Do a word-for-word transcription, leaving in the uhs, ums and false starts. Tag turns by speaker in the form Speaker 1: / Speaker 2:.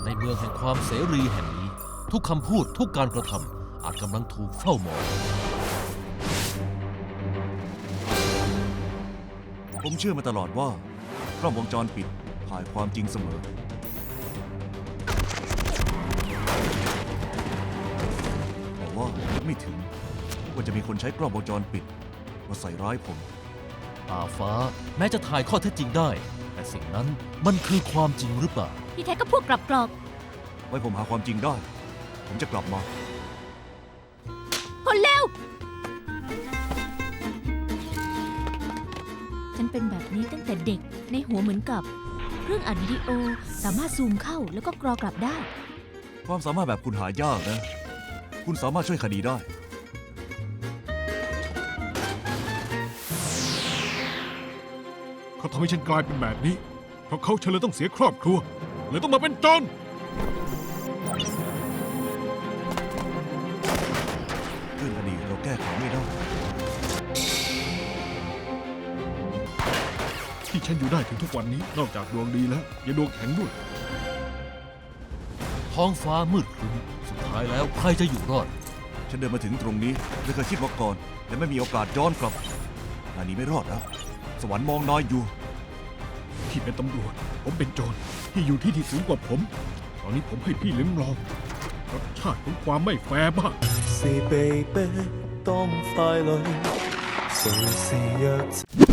Speaker 1: ในเมืองแห่งความเสรีแห่งนี้ ทุกคำพูดทุกการกระทำอาจกำลังถูกเฝ้ามอง
Speaker 2: ผมเชื่อมาตลอดว่ากล้องวงจรปิดถ่ายความจริงเสมอแต่ว่าไม่ถึงว่าจะมีคนใช้กล้องวงจรปิดมาใส่ร้ายผม
Speaker 1: ตาฟ้าแม้จะถ่ายข้อเท็จจริงได้ แต่สิ่งนั้นมันคือความจริงหรือเปล่า
Speaker 3: ที่แท้ก็พวกกลับกรอก
Speaker 2: ไว้ผมหาความจริงได้ ผมจะกลับมา
Speaker 3: คนเลวฉันเป็นแบบนี้ตั้งแต่เด็กในหัวเหมือนกับเครื่องอัดวิดีโอสามารถซูมเข้าแล้วก็กรอกลับได้
Speaker 2: ความสามารถแบบคุณหายากนะ คุณสามารถช่วยคดีได้
Speaker 4: เขาทำให้ฉันกลายเป็นแบบนี้ เพราะเขาฉันเลยต้องเสียครอบครัวเลยต้องมาเป็นโจร
Speaker 2: เรื่องคดีเราแก้ไขไม่ได้
Speaker 4: ที่ฉันอยู่ได้ถึงทุกวันนี้ นอกจากดวงดีแล้วยังดวงแข็งด้วย
Speaker 1: ท้องฟ้ามืดครึ้มสุดท้ายแล้วใครจะอยู่รอด
Speaker 2: ฉันเดินมาถึงตรงนี้ไม่เคยคิดมาก่อนและไม่มีโอกาสย้อนกลับนายหนี้ไม่รอดแล้ว สวรรค์มองนายอยู่
Speaker 4: พี่เป็นตำรวจ ผมเป็นโจรที่อยู่ที่ที่สูงกว่าผม ตอนนี้ผมให้พี่ลิ้มลองรสชาติของความไม่แฟร์บ้าง
Speaker 5: 是被迫當傀儡，誰是弱者？